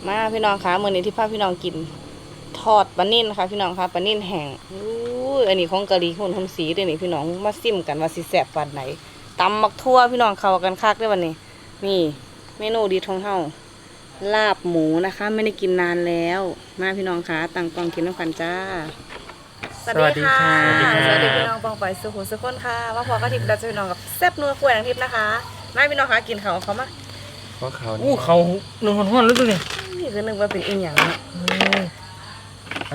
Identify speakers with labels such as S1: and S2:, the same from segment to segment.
S1: มาพี่น้องคะมื้อนี้ที่พาพี่น้องกินทอดปลานิ่นค่ะพี่น้องคะปลานิ่นแห้งอันนี้ของกะหรี่คนสีเด้อนี่พี่น้องมาซิมกันว่าสิแซ่บปานไหนตำมักทั่วพี่น้องเข้ากันคักเด้อวันนี้นี่เมนูดีของเฮาลาบหมูนะคะไม่ได้กินนานแล้วมาพี่น้องคะตั้งกล้องกินน้ำกันจ้าสวัสดีค่ะสวัสดีพี่น้องปองไปสุขุมสุขคนค่ะว่าพอกระทิบดัชพี่น้องกับแซ่บนัวกล้วยนางทิพย์นะคะมาพี่น้องคะกินเขาเขามา
S2: เพราะเขา
S3: เขาหนึ่งห้อนๆแล้วตัวนี้
S1: นี่คือนึกว่าเป็นอีหยังเนาะ
S3: เอา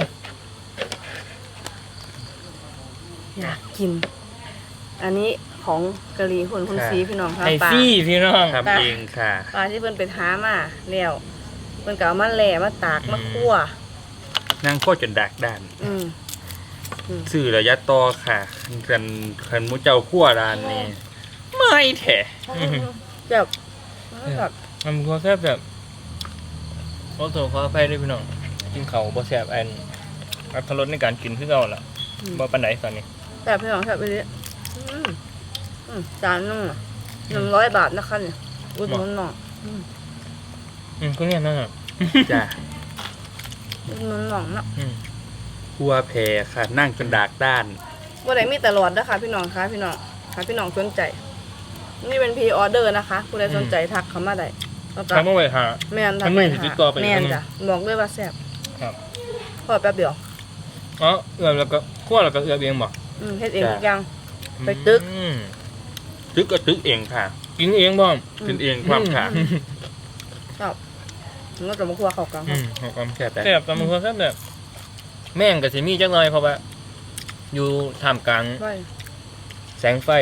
S1: อยากกิน อันนี้ของกะหรี่คนซีพี่น้องค่ะ
S3: ไอ
S1: ปลา
S3: ซี่พี่น้อง
S2: ทำเองค่ะ
S1: ปลาที่เพิ่นไปหามาแล้วเพิ่นก็เอามาแหล่มาตากมาคั่ว
S2: นั่งโคตรจนดักด้าน
S1: อืม
S2: สื่อระยะต่อค่ะคันมุเจ้าขั้วร้านนี้ไม่แถะ
S1: แบบแบบ
S3: มันก็แค่แบบขอโทษขออภัยด้วยพี่น้องกินเขาบ่แซ่บอัตรสในการกินคือเก่าล่ะบ่ปานใดตอนนี้
S1: แบบพี่น้องแบบไปเลยจานนึงอ่ะ100 บาทนะคะเนี่ยอุดหนุนหน่อย
S3: ก็เนี่ยนั่นน่ะ
S2: จ้ะ
S1: อุดหนุนหน่อยนะ
S2: ขั้วแพรค่ะ นั่งจนดักด้าน
S1: บ่ได้มีตลอดนะคะพี่น้องคะพี่น้องค่ะพี่น้องสนใจนี่เป็นพรีออเดอร์นะคะผู้ใดสนใจทักเข้ามาได้แล้วก็
S3: ทำมาไว้หา
S1: แม่น
S3: อันนี้ติดต่อไป
S1: แม่น
S3: อันนี้
S1: จ้ะบอกเลยว่าแซ่บ
S3: ครับ
S1: พอแป๊บเดียว
S3: อ๋อเอือบแล้วก็คั่วแล้วก็เอือบเองบ่
S1: เฮ็ดเองทุกอย่าง ไปตึก
S2: ตึกก็ตึกเองค่ะ
S3: กินเองบ่
S2: กินเองความค่ะ
S1: ครับมันก็จะมาคั่วเข้ากันครับ
S3: ของความ
S2: แค่แต่
S3: แซ่บตามมือแซ่บแบบแม่งก็สิมีจักหน่อยเพราะว่าอยู่ท่ามกลาง
S1: ไว้
S3: แสงไฟ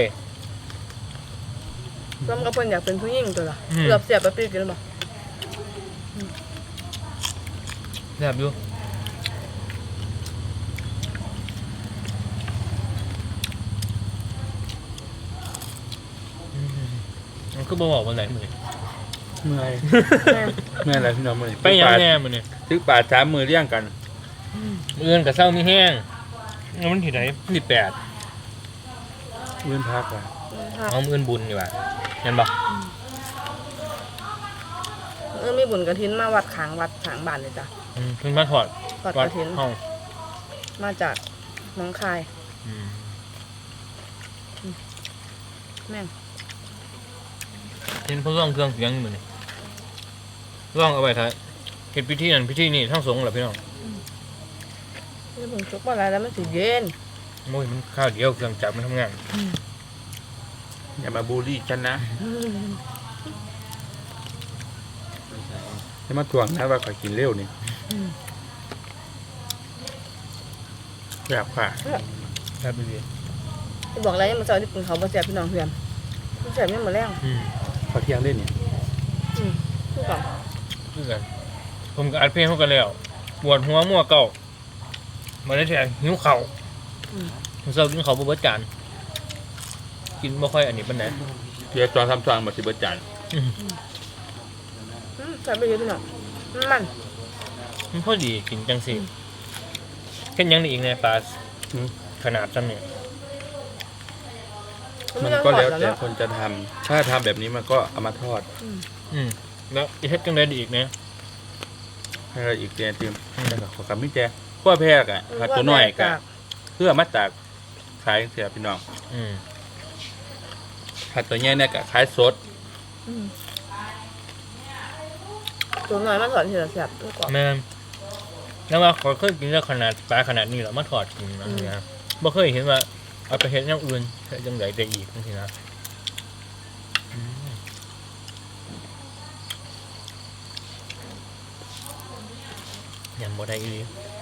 S1: ซ้ำกับเพิ่นอยากเป็นผู้หญิงตัวละ
S3: อืม
S1: เกือบเสียบไปปีกินแล้วบ่
S3: แซ่บอยู่มันก็บอกวันไหนมือ
S2: เมื่อย
S1: แม่น
S2: เมื่อยอะไรพี่น้องเมื่อย
S3: ไปยังแน่มือนี่
S2: ตึกป่าช้ามือเลี้ยงกัน
S3: เอื้อนกับเศร้ามีแห้งแล้วมันที่ไหนที่8
S2: เมื่อพักอ่ะ
S3: เอาเอื้อนบุญดีกว่าเห็นปะ
S1: มีบุญกฐินมาวัดขางบ้านเลยจ้ะ
S3: เพิ่นมาถอด
S1: ทอด
S3: วั
S1: ก
S3: ด
S1: ฐิน
S3: ห้อง
S1: มาจากหนองคายแม่ง
S3: เห็นเพิ่นร้องเครื่องเสียงมือนี่ร้องเอาไว้ท้ายเฮ็ดพิธีนั้นพิธีนี้ทั้งสงฆ์เหรอพี่น้อง
S1: นี่ผมจุกบ่หลายแล้วมันสิเย็น
S3: โอ้ยมันข้าวเดียวเครื่องจักรมันทำงาน
S2: อย่ามาบูลลี่ฉันนะจะมาทวงนะว่าขอยกินเร็วนี่แบบค่ะ
S3: ครับพี่
S1: จะบอกอะไรมันเช้าที่ปึงเขาบ่แซ่บพี่น้องเพื่อนมันแซ่บยังบ่แรง
S2: ขอเที่ยงเล่นเนี่ย
S1: คือกัน
S3: คือกันผมก็อัดเพลงเขากันแล้วปวดหัวมั่วเก่ามาได้แทนหิวเข่าเศร้ากินเขาวบ่เบิดจานกินบ่ค่อยอันนี้ปานใด
S2: เดี๋ยวจอนทำจอนมาสิเบิดจาน
S1: แซ่บไปเลยพี่น้องมัน
S3: มันพอดีกินจังสิเห็นยังได้อีกในปลาขนาดจำเนี่ย
S2: มันก็แล้วแต่คนจะทำถ้าทำแบบนี้มันก็เอามาทอด
S3: แล้วอีเฮ็ดจังได้อีกนะ
S2: ให้เราอีกแกนติมแล้วก็ขอคำมิแจขั้วแพรกอ่ะผัดตัวน้อยกะเพื่อมาตากขายเสียพี่น้องผัดตัวใหญ่เนี่ยกะขายสด
S1: ตัวน้อยมันสอนที่เราแซ่บตัวก่อน
S3: แม่นแล้วว่าขอเคยกินแล้วขนาดปลาขนาดนี้แล้วมาถอดกินนะบ่เคยเห็นว่าเอาไปเฮ็ดอย่างอื่นเฮ็ดจังไดได้อีกจังซี่นะยังบ่ได้อีหลี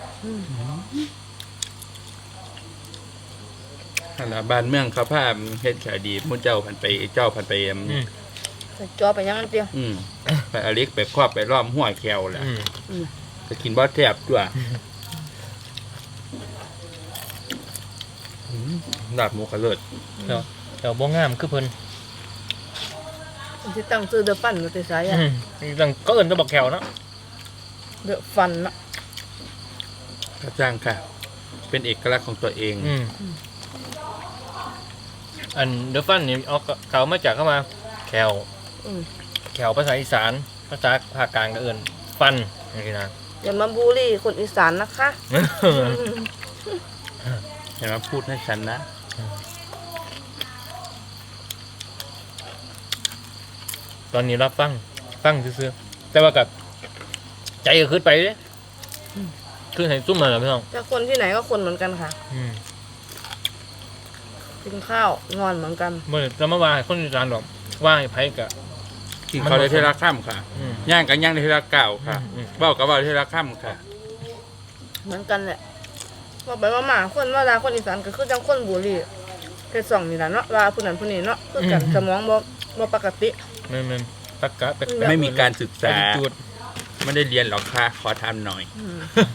S2: นั่นล่ะบ้านเมืองเขาพาเฮ็ดขายดีมุ่นเจ้าพันไป
S1: ใส่จอไปยังมันเตี้ย
S2: ไปอเล็กไปครอบไปล้อมหัวแควแหละจะกินบ่แซ่บตัวลาบหมูกระเลิศ
S3: แต่บ่งามคือเพิ่น
S1: มันสิตั้งชื่อเดอะฟันมันสิใส่อ่ะ
S3: ตั้งก็เอิ้นแตะบักแขวเนาะ
S1: เดอะฟันน่ะ
S2: กระจ้างค่ะ เป็นเอกลักษณ์ของตัวเอง
S3: อันเดอะฟันนี่เอาเขามาจากเข้ามาแขวภาษาอีสานภาษาภาคกลางก็เอิ้นฟฟันอย่างนี้นะ
S1: อย่ามาบูลลี่คนอีสานนะคะ
S2: เห็นไหมพูดให้ฉันนะ
S3: ตอนนี้รับฟังซื่อๆแต่ว่ากับใจก็ขึ้นไปเลยคือให้ซุ่มมาแล้วพี่น้อง
S1: แต่คนที่ไหนก็คนเหมือนกันค่ะ
S3: อืม
S1: กินข้าวงอนเหมือนกัน
S3: เมื่อจะมาว่าให้คนอีสานหรอกว่าให้ไผกะ
S2: กินเขาได้เทละข้ามค่ะ
S3: อืม
S2: ย่างกันย่างได้เทละเก่าค่ะ
S3: อืม
S2: เบ้ากับเบ้าได้เทละข้ามค่ะ
S1: เหมือนกันแหละบอกไปว่าหมาคนว่าลาคนอีสานก็คือจังคนบุรีเพศสองนี่แหละเนาะว่าผู้นั้นผู้นี้เนาะคือกันสมองบ่ปกติ
S3: แม่นตักกะแปลกๆ
S2: ไม่มีการศึกษา
S3: จุด
S2: ไม่ได้เรียนหรอกค่ะ ขอทำหน่อย
S1: อืม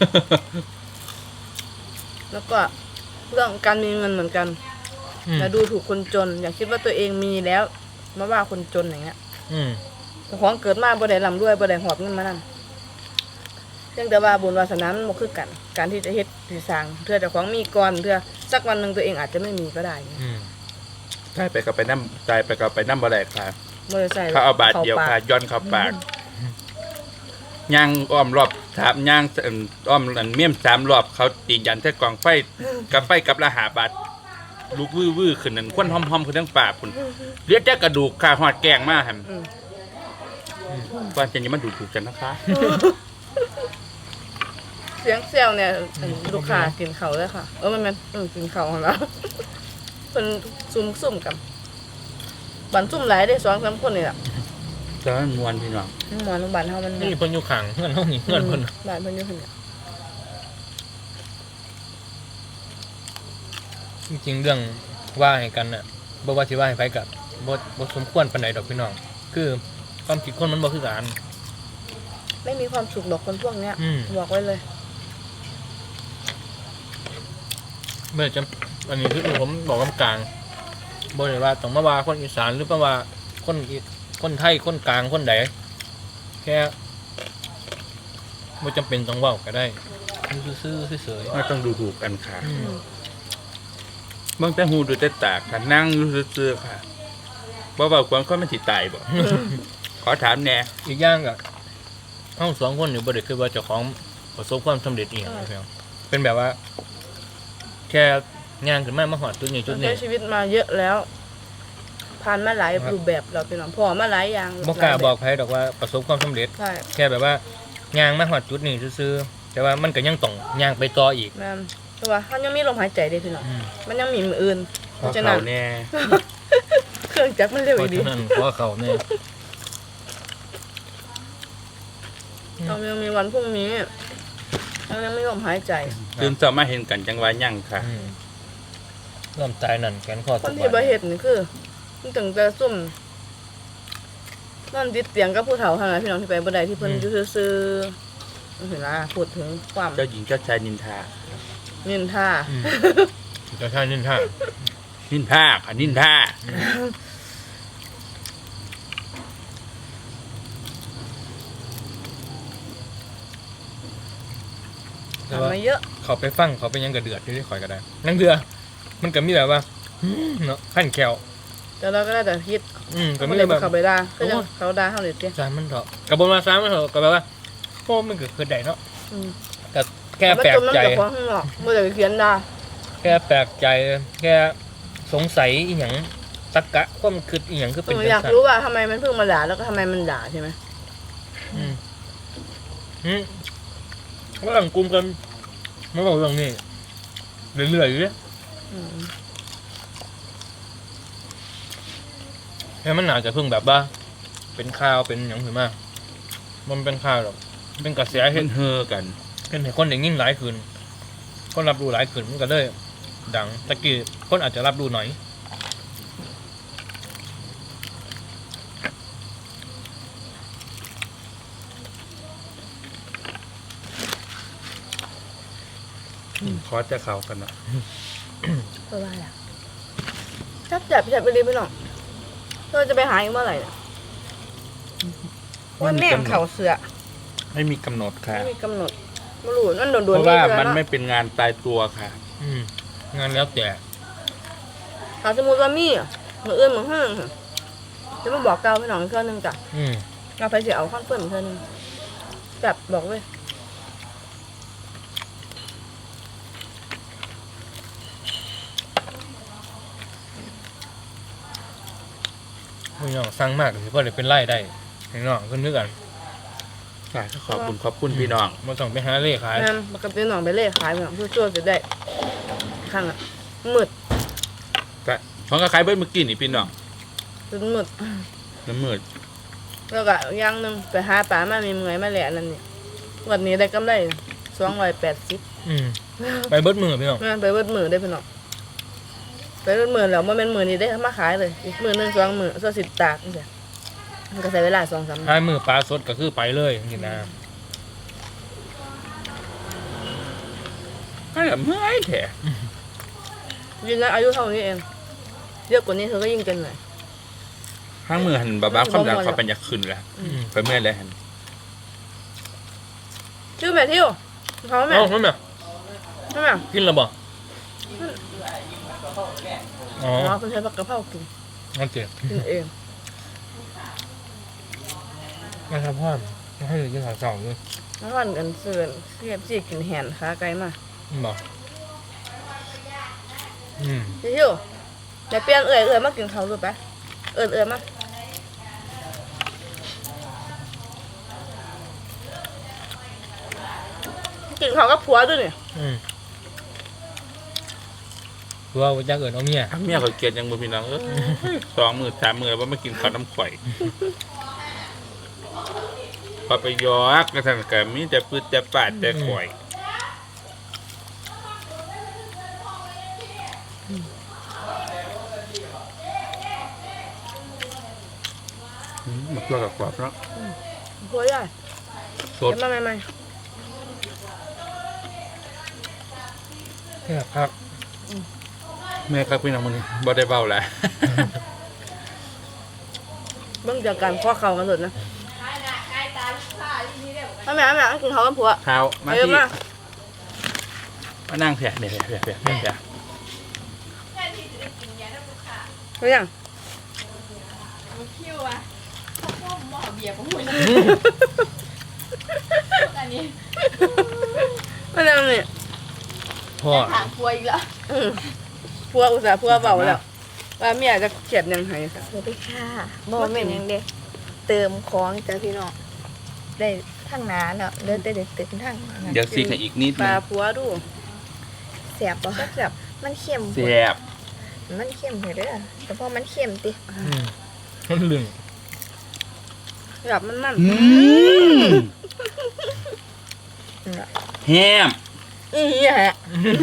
S1: แล้วก็เรื่องการมีเงินเหมือนกัน
S3: อืม
S1: อย่าดูถูกคนจน อย่าคิดว่าตัวเองมีแล้วมาว่าคนจนอย่างเงี้ย
S3: อืม
S1: แต่ของเกิดมาบ่ได้ร่ำรวยบ่ได้หอบเงินมานั่นเพียงแต่ว่าบุญวาสนามันบ่คือกัน การที่จะเฮ็ดสิสร้างเพื่อเจ้าของมีก่อนเพื่อสักวันหนึงตัวเองอาจจะไม่มีก็ได้เนี่ย
S3: อืม
S2: ตายไปกับไปน้ำตายไปกับไปน้ำบ่ได้ค่ะ
S1: บ่ได้ใส่
S2: เขาเอาบาทเดียวค่ะ ย้อนเข้าปากย่างอ้อมรอบถามย่างอ้อมอันเมี่ยม3 รอบ เขาตียันใส่กองไฟกับไฟกับละ5 บาทลูกวื้อๆขึ้นนั่นควันหอมๆขึ้นทั้งปากพุ่นเรียกแต่กระดูกค่ะหอดแกงมาหั่น
S1: อืม
S2: ว่าจะนี้มันดูถูกกันนะคะ
S1: เสียงเซลเนี่ยลูกค้ากินเขาวเลยค่ะมันกินเขาวของเราเพิ่นซุ่มกันบันซุ่มหลายได้2-3คนนี่ล่ะ
S2: จะมันมวนพี่น้อง
S1: หมอนโรงพยาบาลเฮามัน
S3: นี่เพิ่นอยู่ข้างเพื่อนเฮานี่เพื่อนเพิ่น
S1: บ้านเพิ่นอยู่หั่นน่ะ
S3: จริงๆเรื่องว่าให้กันน่ะบ่ว่าสิว่าให้ไผกับบ่สมควรปานใดดอกพี่น้อง คือความคิดคนมันบ่คือกัน
S1: ไม่มีความสุขดอกคนพวกเนี้ย
S3: อืม
S1: บอกไว้เลย
S3: เมื่อจะอันนี้คือผมบอกกลางบ่ได้ว่าต้องมาว่าคนอีสานหรือมาว่าคนไทยคนกลางคนใดแค่บ่จำเป็นต้องเว้าก็ได้ซื่อๆเฉย
S2: ไม่ต้องดูถูกกันค่ะ
S3: ๆอืม
S2: เบิ่งแต่หูดูแต่ตาค่ะนั่งอยู่ซื่อๆค่ะบ่เว้าความคนมันสิตายบ่ ขอถามแหน่
S3: อีกอย่างก็เฮา2คนนี่บ่ได้คือว่าเจ้าของประสบความสำเร็จอีหยังเลยครับเป็นแบบว่า แค่งานขึ้นมาฮอดจุดนี้จุด
S1: ใช้
S3: นี้
S1: ชีวิตมาเยอะแล้ว ผ่านมาหลาย
S3: ครับ
S1: รูปแบบเราเป็นหลังพอมาหลายอย่าง
S3: บ่กล้า
S1: หลย
S3: บ
S1: แ
S3: อกใครดอกว่าประสบความสำเร็จ
S1: ใช่
S3: แค่แบบว่ายางมาฮอดจุดนี้ซื่อๆแต่ว่ามันก็ยังต้องยางไปต่ออีก
S1: แม่นแต่ว่ามันยังมีลมหายใจเด้พี่น้อง
S3: อืม
S1: มันยังมีมืออื่น
S2: ข
S1: เพ
S2: อ
S1: ราะฉะนั้
S2: เขา
S1: น
S2: แน่
S1: เครื่องจักรมันเร็ว
S3: เพ
S1: อี
S3: ราะ
S1: ดี
S3: ฉะนั้นขอเขาแน่
S1: เรายังมีวันพรุ่งนี้เรายังไม่ลมหายใจ
S2: ตื่นเช้ามาเห็นกันจังว่ายั่งค่ะ
S3: อืมเริ่มตายนั่นแขนคอ
S1: ค
S3: ทุ
S1: น
S3: ก
S1: ที่
S3: วั
S1: บ่
S3: น
S1: เฮ็ดนี่คือมันถึงจะซุ่มนอนติดเตียงกับผู้เฒ่าเท่านั้นพี่น้องที่ไปบ่ได้ที่เพิ่นอยู่ซื่อๆเห็นล่ะพูดถึงความ
S2: เจ้าหญิงเจ้าชายนินทา
S1: นินทา
S3: อืมเจะใช่นินท่า
S2: นินทาค่ะนินทา
S3: แต่ว่า
S1: ทำมาเยอะ
S3: เขาไปฟังเขาไปยังกระเดือดอยู่ที่ข่อยก็ได้นั่นคือมันก็มีแบบว่าเนาะขั้นแคว
S1: แต่เราก็ได้แต่คิด
S3: ก็
S1: เขา
S3: มี
S1: เลย
S3: แบบ
S1: เขาไปด่าก็ยังเขาด่าเขาเลยเตี้ย
S3: สามมันเถอะกับบนมาสามมันเถอะก็แบบว่าโอ้มันเกิดได้เนาะ
S1: อืม
S3: แต่แค่
S1: มัน
S3: แปล
S1: จ
S3: ก
S1: มน้ำ
S3: ใจ
S1: จากของข้างนอกเมื่อจะเขียนด่า
S3: แค่แปลกใจแค่สงสัยอีหยังตะกะความคิดอีหยังคือเป็น
S1: อยาก
S3: จังซั่น
S1: รู้ว่าทำไมมันเพิ่งมาด่าแล้วก็ทำไมมันด่าใช่ไหม
S3: อืมว่าหลังกลุ่มกันไม่บอกเรื่องนี้เรื่อยๆอยู่เนี่ย
S1: อืม
S3: แค่มันอาจจะเพิ่งแบบว่า เป็นข่าวเป็นอย่างถือมามันเป็นข่าวหรอกเป็นกระแสเห็
S2: เห็
S3: น
S2: นเฮอกัน
S3: เป็นให้คนได้ยิ่งหลายขึ้นคนรับรู้หลายขึ้นมันก็เลยดังตะกี้คนอาจจะรับรู้หน่อย
S2: ขอจะเขากันเนาะ
S1: ก็ว่าแหละจับไปเลยพี่น้องเราจะไปหาอีกเมื่อไหร่เนี่ยว่าแม่งเข่าเสือ
S2: ไม่มีกำหนดค่ะ
S1: ไม่มีกำหนดไม่รู้นั่นโดน
S2: เพราะว่า
S1: เสือ
S2: มัน
S1: เนาะ
S2: ไม่เป็นงานตายตัวค่ะ
S3: งานแล้วแต่
S1: ถ้าสมมติว่ามีมืออื่นมือห้างจะมาบอกเกาพี่น้องอีกเท่านึงจ้ะ
S3: อืม
S1: เราไปเสียเอาข้อนเปิ้ลอีกเท่านึงแบบบอกเลย
S3: พี่น้องสั่งมากถือว่าเลยเป็นไร่ได้พี่น้องขึ้นนึกกัน
S2: ขอบคุณพี่น้อง
S3: มาส่งไปหาเล่ขาย
S1: งั้นมันก็เป็นหนองไปเล่ขายเหมือนเพื่อช่วยจะได้ข้างอ่ะมืด
S2: ก็ของก็ขายเบิ้ลเมื่อกี้นี่พี่น้อง
S1: จนมืด
S2: น้ำมืด
S1: แล้วก็อย่างหนึงไปหาปลามามีเมื่อยมาแหละนั่นนี่วันนี้ได้กำไร280
S3: ไปเบิดมือพี่น้อง
S1: งั้นไปเบิดมือได้พี่น้องไปเบิดมือแล้วมันเป็นมือนี้ได้มาขายเลยอีกมือหนึง2 มื้อส่วนสิตากจังซี่มันก็ใช้เวลา2-3 มื้อ
S3: ท้ายมือปลาสดก็คือไปเลยนี่นะ
S2: ก็แบบเมื่อยแท้
S1: ยืนนะอายุเท่านี้เองเยอะกว่านี้เธอก็ยิ่งเป็นหน่อย
S2: ข้างมือหันบ้าความดันเขาเป็นอยากขึ้นแล้วไปเมื่อยเลยหัน
S1: ชื่อแม่ทิวเขาแม่
S3: เอ้านั่นน่ะ
S1: ใช่ไหม
S3: กินแล้วบ่อ๋อ
S1: อ๋อคุณใช้ผักกะเพรากิน
S3: นั่นเจ๋ง
S1: กินเอง
S3: มาทำพ่อมาให้กินข้าวเช้าด้วย
S1: แล้ววันกันเสือนเสียบจีกินแหนขาไกลมา
S3: บ่อืม
S1: พี่ทิวอย่าเปลี่ยนเอื่อยมากินเขาดูไปเอื่อยมากินเขากับผัวด้วยเนี่ย
S3: คือว่าจะเกิดเอาเมีย
S2: เมียเขาเกลียดยังบ่พี่น้อง2 มื้อ 3 มื้อว่ามากินข้าวน้ำข่อยพอไปยอกกระทั่งก็มีแต่ปืดแต่ปาดแต่ข่อยมันตัวกับกรอบเนาะ
S1: ผัวใหญ่
S2: สด
S1: เดี๋ยวมาใหม่
S3: เนี่ยครับ
S2: แม่ครับพี่น้องมื้อนี้บ่ได้เว้าแล้ว
S1: ๆเบิ่งจากการข้อเข่ากันหมดนะแม่กินเขากับผัว
S2: ข้าวมา
S1: เยอะ
S2: ที่
S1: มาก
S2: มานั่งเถอะเดี๋ยว
S1: เฮ้ยยัง
S4: คิวอะพวกหม้อเบียร์ของหุ่นอันนี้
S1: ไม่ได้เนี่ย
S3: พ่อ
S4: ถามครัวอีกแล้ว
S1: ผัวอุตส่าห์ผัวเบาแล้วว่าเมียจะเขียดยังไงค่ะ
S4: สวัสดีค่ะบ่แม่นหยังเด้เติมของจ้ะพี่น้องได้ทั้งหนาเนาะเดินแต่เด็กเต็มทั้งหนา
S2: เดี๋ยวซีกันอีกนิด
S1: ป
S2: นึ
S1: ลาง ผัวดู
S4: แซ่บบ่
S1: แซ่บ
S4: มันเค็ม
S2: แซ่บ
S4: มันเค็มเด้อแต่พอมันเค็มติ
S3: มันลึง
S1: ๆแบบมัน
S2: อืม
S4: น่ะ
S2: แฮม
S1: อีเหี้ยฮะ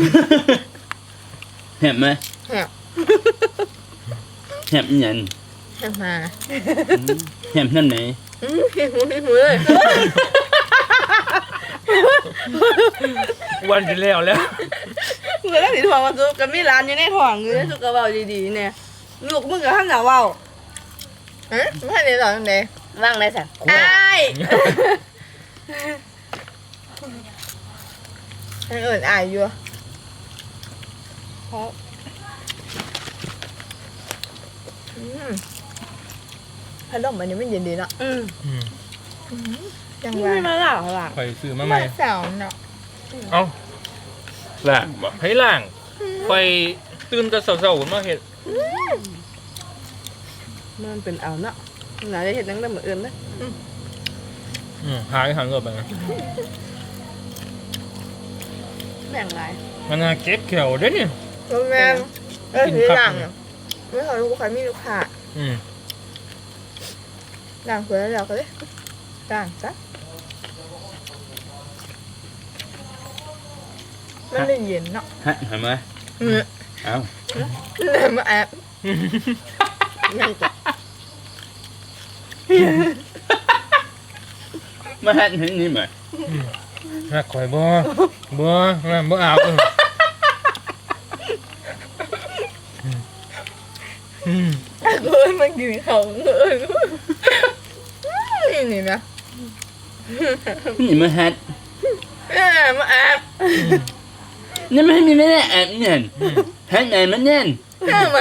S2: แฮมไหม
S4: แซ่บ
S2: แฮมอีหยัง
S4: แซ่บมา
S2: แฮมนั่นไหน
S1: หูเลย
S3: วันที่แล้วแล้ว
S1: เมื่อสีทองมาซุกกับมีร้านอยู่ในท้องอยู่ในสุกกระเบาดีๆเนี่ยลูกมึงกับข้างหน้าเบา
S4: ฮะไม่ได้ตอนไหน
S1: ว่างได้สัน
S4: อ้ายอันอื่นอายอยู่พัดลมอันนี้มันเย็นดีเนาะ
S1: อืม
S4: จังห
S1: ไม่
S4: วะ
S1: มาเล่าหรอ
S3: ไปซื้อมาใหม่
S4: สาวเนาะ
S3: เอ้า
S2: ล่างบ่
S3: ให้ล่างไปตื่นแต่เช้าๆมาเฮ็ด
S1: มันเป็นเอาเนาะหนาจะเห็นนั่งได้เหมือนอื่นไหม
S3: หายหันกลับไปนะ
S1: แบ่งไร
S3: มันน่าเก็บเขียวเด้นี่
S4: โรงแรมที่หลังไม่เคยรู้ใครมีลูกค้า
S3: อืม
S4: หลังสวยแล้วก็เลยต่างซะมันเลยเย็นเนาะ
S2: ฮะเห็นไหมเอ้า
S4: เลยมาแอบยังจะ
S2: มาฮะเห็นนี่ไหม
S3: หักข่อยบ่อาบ
S4: เอ้ยมันกินเขาเอ้ยนี่นะ
S2: นี่มาฮะ
S4: มาแอบ
S2: นี่ไม่มีไม่ได้แอบเนี่ยฮะไหนมันเนี่ย
S4: มา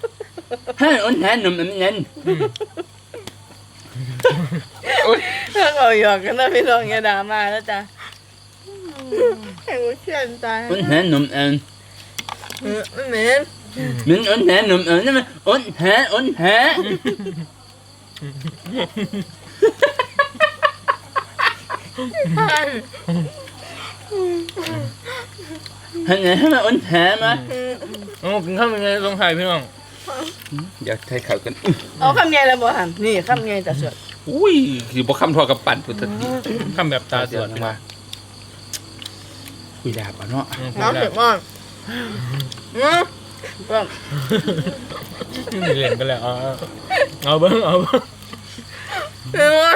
S2: ฮะอ้นฮะหนุ่มมันเนี่ย
S1: เธอก็เอาหยอกกันนะพี่น้องอย่าด่ามาแล้วจ้ะ
S4: ให้กูเชื่อใจ
S2: อ้นแหนมเอ็น
S4: ไม่เหม็น
S2: mình ổn hả nụm ổn mà ổn hả hình này mà ổn hả mà
S3: โอ้กินข้าวเป็นไงลงไทยพี่น้อง
S2: giờ thay khẩuกัน
S1: เอาคำใหญ่แล้วบ่หันนี่คำใหญ่แต่สวด
S2: อุ้ยคือบ่คำทอกับปั่นพุทธที
S3: ข้ามแบบตาสวด
S2: จังว่าคุยดาบอ่ะเนาะ
S4: น้ำเผ็ดมาก
S1: ก็
S3: นี่เล่นกันแล้วเอาเบิ้งเอาเบิ้ง
S4: เผ็ดมาก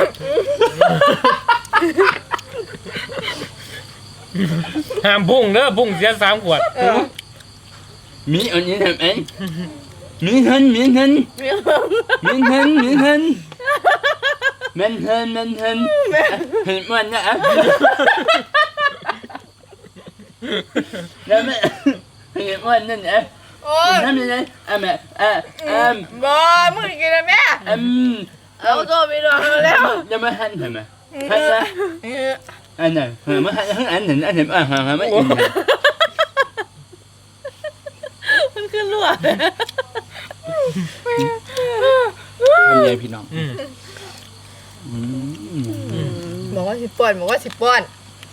S3: ห้ามพุ่งเด้อพุ่งเสีย3 ขวด
S2: มีอันนี้ทำเองมีหันมันหันเห็นมันนะแล้วแม่เห็นมันนั่นเอ๊ะ
S4: โอ้ย
S2: ทำยังไงแม่
S4: บอมึงกินอะไรแม่เอาตัวไปนอนแล้ว
S2: จะมาหันทำไมหันละอันไหนมาหันทั้งอันหนึ่งอันเห็นหันไม่อิน
S1: มันขึ้นรั่ว
S2: ทำไงพี่น้อง
S4: บอกว่าสิป้อนบอกว่าสิป้อน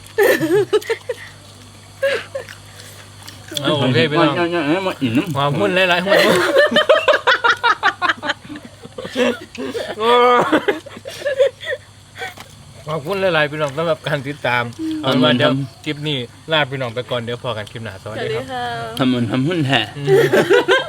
S3: เอาโอเคพี่น้อง
S2: มาอิ่มน้ำ
S3: หัวพุ่นหลายๆหัวพุ่นขอบคุณหลายๆพี่น้องสำหรับการติดตามเอาเป็นว่าเดี๋ยวคลิปนี้ลาพี่น้องไปก่อนเดี๋ยวพอกันคลิปหน้าสวัส
S1: สวัส
S3: ดี
S1: ดี
S3: ครับ
S1: ค่ะ
S2: ทำมันทำหุ่นแห่
S3: อืม